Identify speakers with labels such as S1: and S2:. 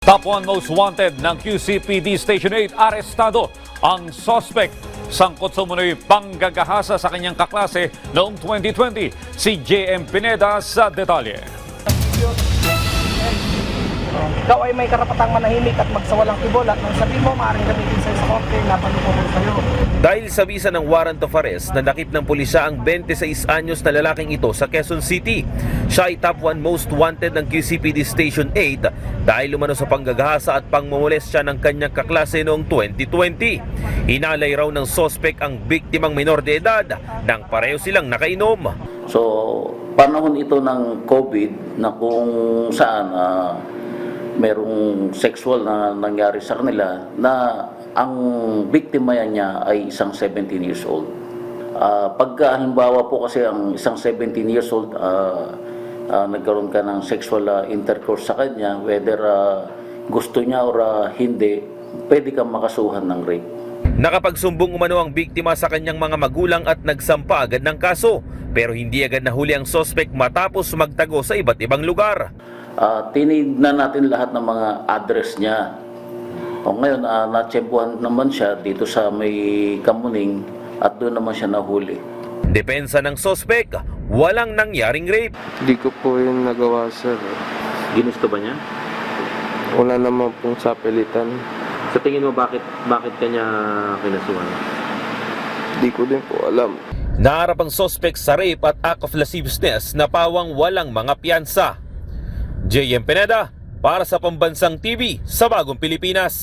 S1: Top 1 most wanted ng QCPD Station 8, arestado ang suspect sangkot sa umunoy panggagahasa sa kanyang kaklase noong 2020. Si JM Pineda sa detalye.
S2: Ikaw ay may karapatang manahimik at magsawalang tibol at nang sabihin mo, maaaring gamitin sa'yo sa korte na panukuro sa'yo.
S3: Dahil sa bisa ng warrant of arrest, nanakip ng pulisya ang 26 anyos na lalaking ito sa Quezon City. Siya ay top 1 most wanted ng QCPD Station 8 dahil umano sa panggagahasa at pangmumolestya ng kanyang kaklase noong 2020. Hinalay raw ng sospek ang biktimang minor de edad nang pareho silang nakainom.
S4: So, panahon ito ng COVID na kung saan merong sexual na nangyari sa kanila na ang biktima niya ay isang 17 years old. Pagka halimbawa po kasi ang isang 17 years old nagkaroon ka ng sexual intercourse sa kanya, whether gusto niya or hindi, pwede kang makasuhan ng rape.
S3: Nakapagsumbong umano ang biktima sa kanyang mga magulang at nagsampa agad ng kaso, pero hindi agad nahuli ang sospek matapos magtago sa iba't ibang lugar.
S4: Tinignan natin lahat ng mga address niya. O ngayon, natsempuhan naman siya dito sa may Kamuning at doon naman siya nahuli.
S3: Depensa ng sospek, walang nangyaring rape.
S5: Hindi ko po yun nagawa, sir.
S6: Ginusto ba niya?
S5: Wala naman pong sapilitan.
S6: Sa tingin mo bakit kanya kinasuhan?
S5: Hindi ko din po alam.
S3: Naharap ang sospek sa rape at act of lasciviousness na pawang walang mga piyansa. JM Pineda para sa Pambansang TV sa Bagong Pilipinas.